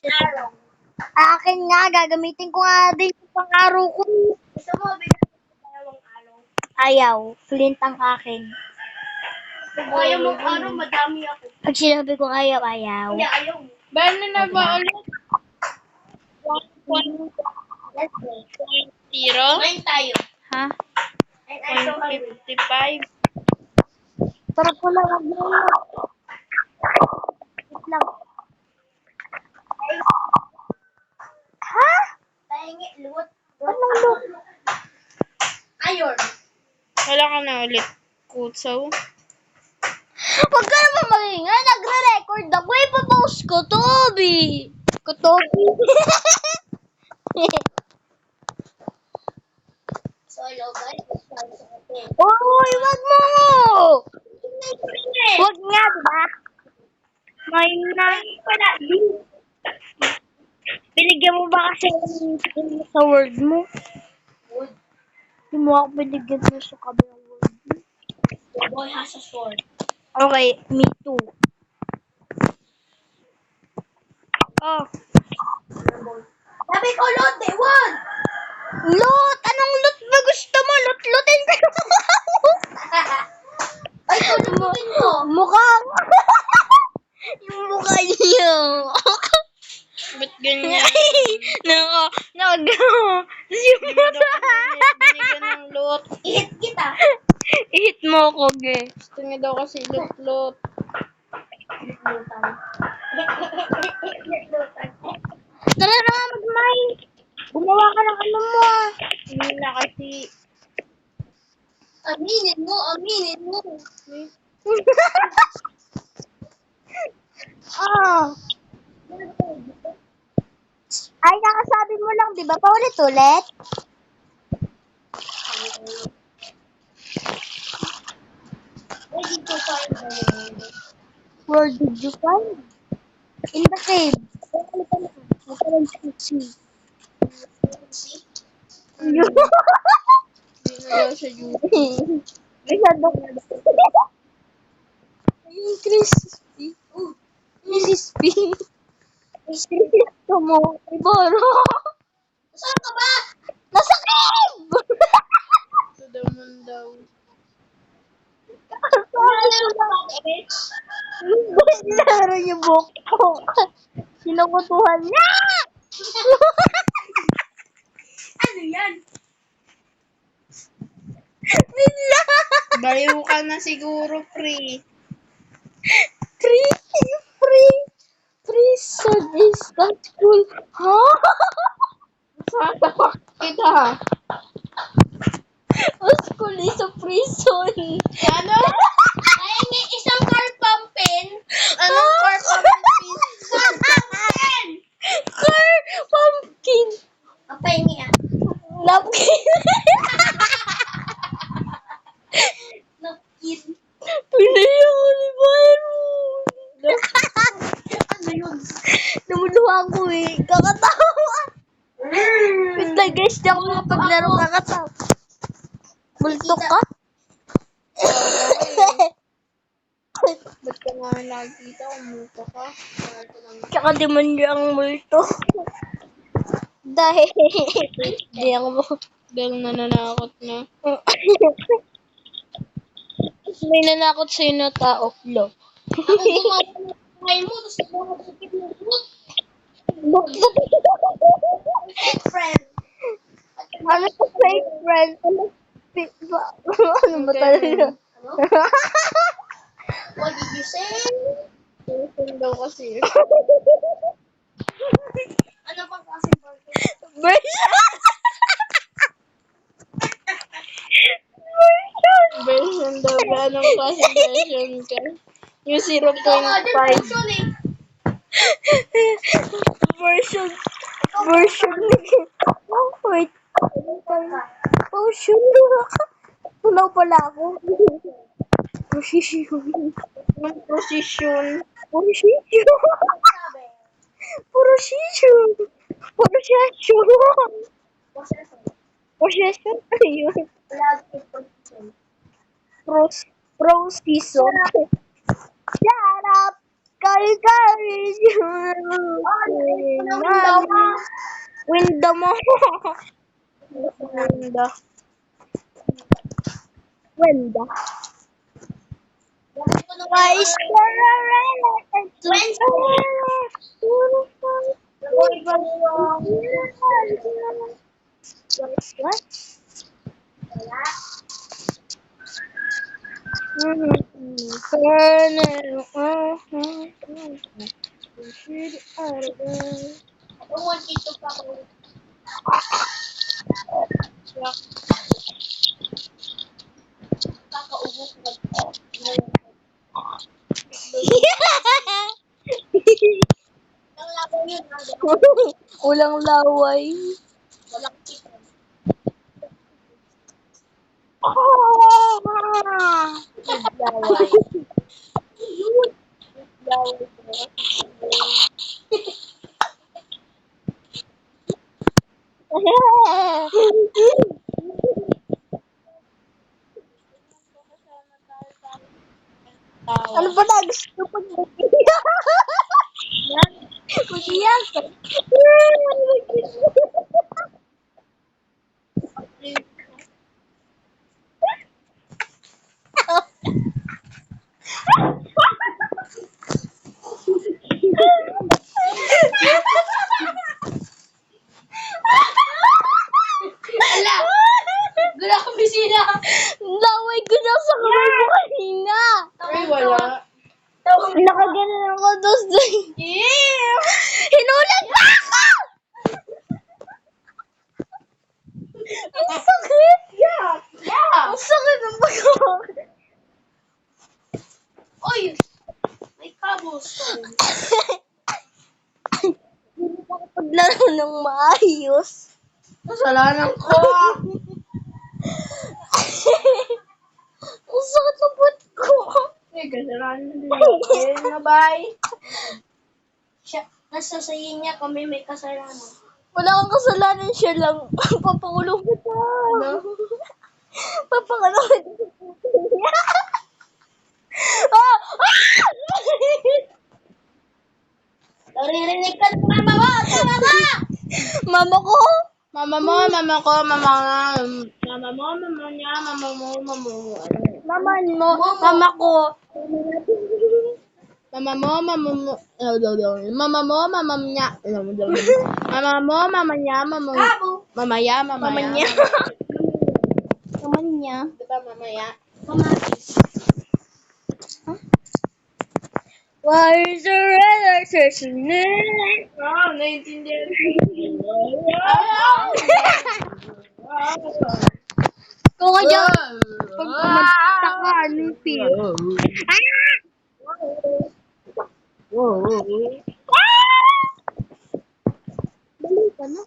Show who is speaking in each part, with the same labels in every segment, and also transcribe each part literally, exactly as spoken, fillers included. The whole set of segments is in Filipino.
Speaker 1: Araw. Akin nga, gagamitin ko nga din yung pang-araw ko. Gusto mo, bigyan ko tayo ng araw. Ayaw, flint ang akin. Kung ayaw mong araw, madami ako. Pag sinabi ko ayaw, ayaw. Hindi, ayaw.
Speaker 2: Bano na ba ulit?
Speaker 1: Let's play.
Speaker 2: Zero?
Speaker 1: Ngayon tayo.
Speaker 2: Ha?
Speaker 1: And I so
Speaker 2: one fifty-five.
Speaker 1: Sarap ko lang ang gano'n. Wait lang. Ha? Tahingi, luwot. Anong luwot? Ayon.
Speaker 2: Wala ka na ulit. Kutsaw.
Speaker 1: Huwag ka naman magingay. Nagre-record ako. Ipapost ko, Toby. Ko, Toby. So, hello guys. Uy, wag mo! Wag nga, diba? May nine pala. Binigyan mo ba kasi sa word mo? Hindi mo ako binigyan mo sa kabilang word mo. The boy has a sword. Okay, me too. Oh. Sabi ko, loot eh, wag! Loot! Anong loot ba gusto mo? Loot-lootin ka Ay, loot-lootin ko. Mukha. Yung mukha niyo.
Speaker 2: Ba't ganyan?
Speaker 1: Nako, nako.
Speaker 2: Binigyan ng loot.
Speaker 1: I-hit kita. I-hit mo ako, ge.
Speaker 2: Gusto niya daw kasi loot-loot.
Speaker 1: Tara na, mag-mine. Gumawa ka ng ano mo.
Speaker 2: Hindi na kasi.
Speaker 1: Aminin mo, aminin mo. Oh. Ay, nakasabi mo lang, di ba? Paulit-ulit. Where did you find the Where did you find In the cave. Huwag ka lang see.
Speaker 2: Hindi na daw siya YouTube.
Speaker 1: Masyado ka na. Ay, crispy. Crispy. Crispy mo. Iboro. Saan ka ba? Nasa cave!
Speaker 2: Ito daw man daw.
Speaker 1: Laro yung buhok ko. Sinukutuhan niya! Ano yan? Bigla!
Speaker 2: Baliw ka na siguro, pre.
Speaker 1: Free! Free! Prison is not cool. Ha?
Speaker 2: Satapak kita.
Speaker 1: Oh, school is a prison.
Speaker 2: Ano?
Speaker 1: Ay, may isang car pumpkin.
Speaker 2: Anong car pumpkin?
Speaker 1: Car pumpkin! Car pumpkin. Papahingi ah. Napkin. Napkin. Pinaya ko ni Byron. Ano yun? Namuluha ko eh. Kakatawa. Wait lang guys, di ako makapaglaro kakatawa. Multo ka?
Speaker 2: Ba't ka nga nakikita? Umuto ka?
Speaker 1: Tsaka demonyo ang multo. Dahil, di ako mo.
Speaker 2: Dahil nananakot na.
Speaker 1: May nanakot sa'yo na tao, lo. Ako gumawa mo, tapos nakakasakit mo. Fake friend. Ano sa fake friend? Ano, ano ba talaga? What did you say?
Speaker 2: Version daw kasi.
Speaker 1: Ano pang kasi version? Version!
Speaker 2: Version daw ba? Anong klase version ka? Yung zero point five.
Speaker 1: Version. Version. Oh, wait. Version. Tunaw pala ako. Position.
Speaker 2: Anong position?
Speaker 1: Position. Position. Position. Possession? Ano yun? Pros. Procision. Shut up! Kari-kari! Window mo.
Speaker 2: Window.
Speaker 1: Window. Why is there a relative to What? Ulang laway.
Speaker 2: Laway. Laway.
Speaker 1: Ano ba na? Gusto ko mag-iyak. Mag-iyak.
Speaker 2: Ala! Gula ko bisina!
Speaker 1: Laway ko na sa kamay mo kanina.
Speaker 2: Ay, wala.
Speaker 1: Nakaganon ako dos doon.
Speaker 2: Yeah!
Speaker 1: Hinulag pa ako! Ang sakit!
Speaker 2: Yeah! Yeah!
Speaker 1: Ang sakit ng pagkawa.
Speaker 2: Oy! May cobblestone.
Speaker 1: Hindi ko paglaro ng maayos.
Speaker 2: Kasalanan ko!
Speaker 1: Ang sakit ng butt ko.
Speaker 2: Ay, kasalanan din ako. Na bye.
Speaker 1: Siya, nasa sayin niya kami may kasalanan. Wala kang kasalanan, siya lang. Papakulong kita.
Speaker 2: Ano?
Speaker 1: Papakulong kita. Ah! Ah! Naririnig ka ng mama mo! Tama ka! Mama ko?
Speaker 2: Mama mo, mama ko, mama nga. Mama mo, mama niya, mama mo, mama mo.
Speaker 1: Mama mo? Mama ko.
Speaker 2: Mama mo, mama mo. Mama mo, mama niya. Mama mo, mama niya, mama Mama ya, mama
Speaker 1: Mama
Speaker 2: ya.
Speaker 1: niya. Mama niya.
Speaker 2: Diba, mama ya?
Speaker 1: Why is there electricity?
Speaker 2: Ah, naiintindihan
Speaker 1: Kung ka dyan, pag kumagta ka, anong feel? Baliw ka na.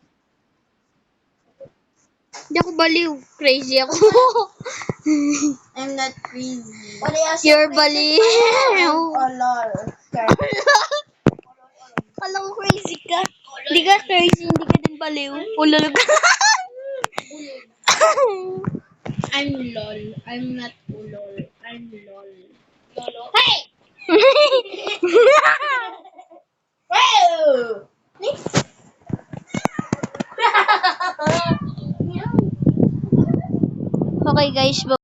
Speaker 1: Hindi ako baliw. Crazy ako.
Speaker 2: I'm not crazy.
Speaker 1: You're baliw.
Speaker 2: Oh, lol.
Speaker 1: Kala ko crazy ka. Hindi ka crazy, hindi ka din baliw. Ulol ka.
Speaker 2: I'm lol. I'm not ulol. I'm lol. Lolo?
Speaker 1: Hey!
Speaker 2: Wow!
Speaker 1: Okay guys, bye.